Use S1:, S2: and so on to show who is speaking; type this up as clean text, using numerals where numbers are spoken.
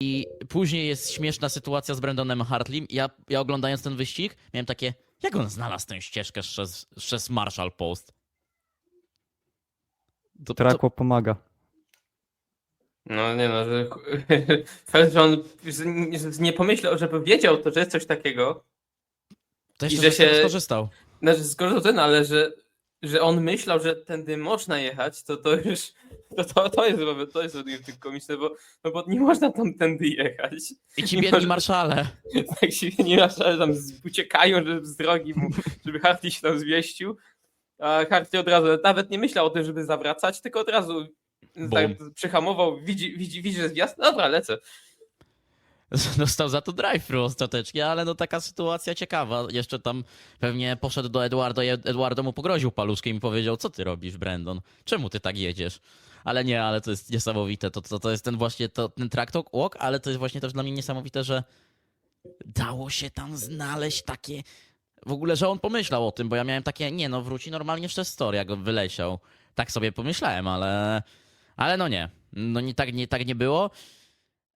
S1: I później jest śmieszna sytuacja z Brandonem Hartleym. Ja oglądając ten wyścig miałem takie, jak on znalazł tę ścieżkę przez Marshall Post?
S2: Trakło pomaga.
S3: No nie no, że fakt, że on nie pomyślał, żeby wiedział to, że jest coś takiego.
S1: to
S3: i
S1: jeszcze
S3: że
S1: że z tego
S3: się-
S1: skorzystał.
S3: Znaczy, skoro ten, ale że on myślał, że tędy można jechać, to już to jest według mnie tylko komiczne, bo nie można tam tędy jechać.
S1: I ci
S3: Nie
S1: biedni
S3: może-
S1: marszale.
S3: Tak się nie ma, że tam uciekają z drogi mu, żeby Hartley się tam zmieścił. A Hartley od razu nawet nie myślał o tym, żeby zawracać, tylko od razu tak, przyhamował, widzi, że jest wjazd. Dobra, lecę.
S1: Dostał za to drive-thru ostatecznie, ale no taka sytuacja ciekawa. Jeszcze tam pewnie poszedł do Eduardo i Eduardo mu pogroził paluszkiem i powiedział, co ty robisz, Brandon? Czemu ty tak jedziesz? Ale nie, ale to jest niesamowite. To jest ten właśnie ten track walk, ale to jest właśnie też dla mnie niesamowite, że dało się tam znaleźć takie... W ogóle, że on pomyślał o tym, bo ja miałem takie, nie no, wróci normalnie w story, jak on wyleciał. Tak sobie pomyślałem, ale no nie. No tak nie było.